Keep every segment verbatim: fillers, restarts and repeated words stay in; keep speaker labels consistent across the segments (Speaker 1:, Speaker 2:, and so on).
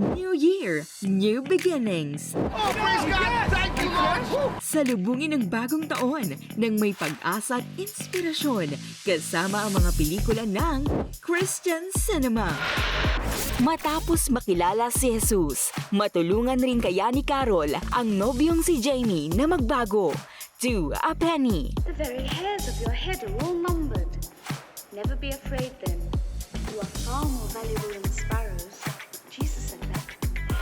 Speaker 1: New Year, New Beginnings.
Speaker 2: Oh, praise God! Thank you, Lord!
Speaker 1: Salubungin ng bagong taon ng may pag-asa at inspirasyon kasama ang mga pelikula ng Christian Cinema. Matapos makilala si Jesus, matulungan rin kaya ni Carol ang nobyong si Jamie na magbago. To a penny.
Speaker 3: The very hairs of your head are all numbered. Never be afraid then. You are far more valuable than sparrows. Jesus said that.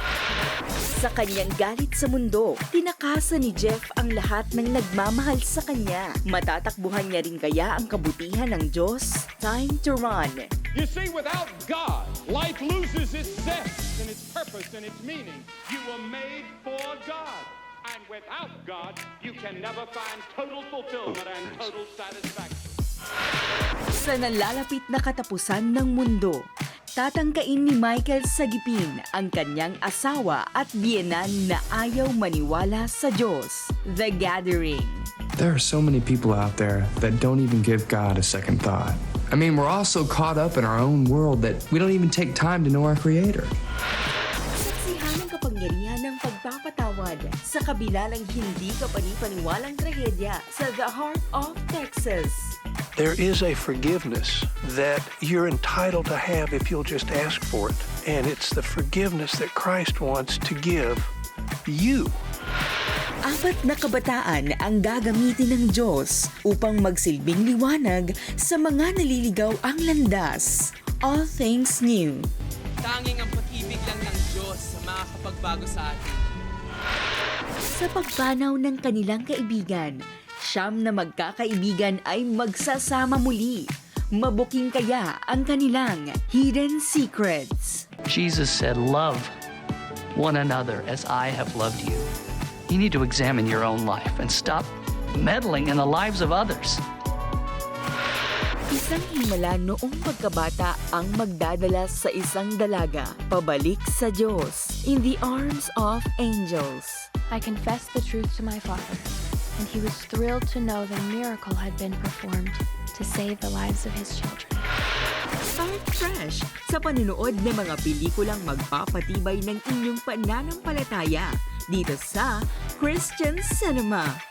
Speaker 1: Sa kanyang galit sa mundo, tinakasan ni Jeff ang lahat ng nagmamahal sa kanya. Matatakbuhan niya rin kaya ang kabutihan ng Diyos? Time to run.
Speaker 4: You see, without God, life loses its zest and its purpose and its meaning. You were made for God. And without God, you can never find total fulfillment and total satisfaction.
Speaker 1: Sa nalalapit na katapusan ng mundo, tatangkain ni Michael Sagipin ang kanyang asawa at biyenan na ayaw maniwala sa Diyos. The Gathering.
Speaker 5: There are so many people out there that don't even give God a second thought. I mean, we're all so caught up in our own world that we don't even take time to know our Creator.
Speaker 1: Saksihan ang kapangyarihan ng pagpapatawad sa kabila ng hindi kapanipaniwalang trahedya sa The Heart of Texas.
Speaker 6: There is a forgiveness that you're entitled to have if you'll just ask for it. And it's the forgiveness that Christ wants to give you.
Speaker 1: Apat na kabataan ang gagamitin ng Diyos upang magsilbing liwanag sa mga naliligaw ang landas. All things new.
Speaker 7: Tanging ang pag-ibig lang ng Diyos sa makakapagbago sa atin.
Speaker 1: Sa pagpanaw ng kanilang kaibigan, siyam na magkakaibigan ay magsasama muli. Mabuking kaya ang kanilang hidden secrets.
Speaker 8: Jesus said, "Love one another as I have loved you." You need to examine your own life and stop meddling in the lives of others.
Speaker 1: Isang himala noong pagkabata ang magdadala sa isang dalaga pabalik sa Diyos in the arms of angels.
Speaker 9: I confessed the truth to my father, and he was thrilled to know the miracle had been performed to save the lives of his children.
Speaker 1: Start fresh sa panunood ng mga pelikulang magpapatibay ng inyong pananampalataya dito sa Christian Cinema.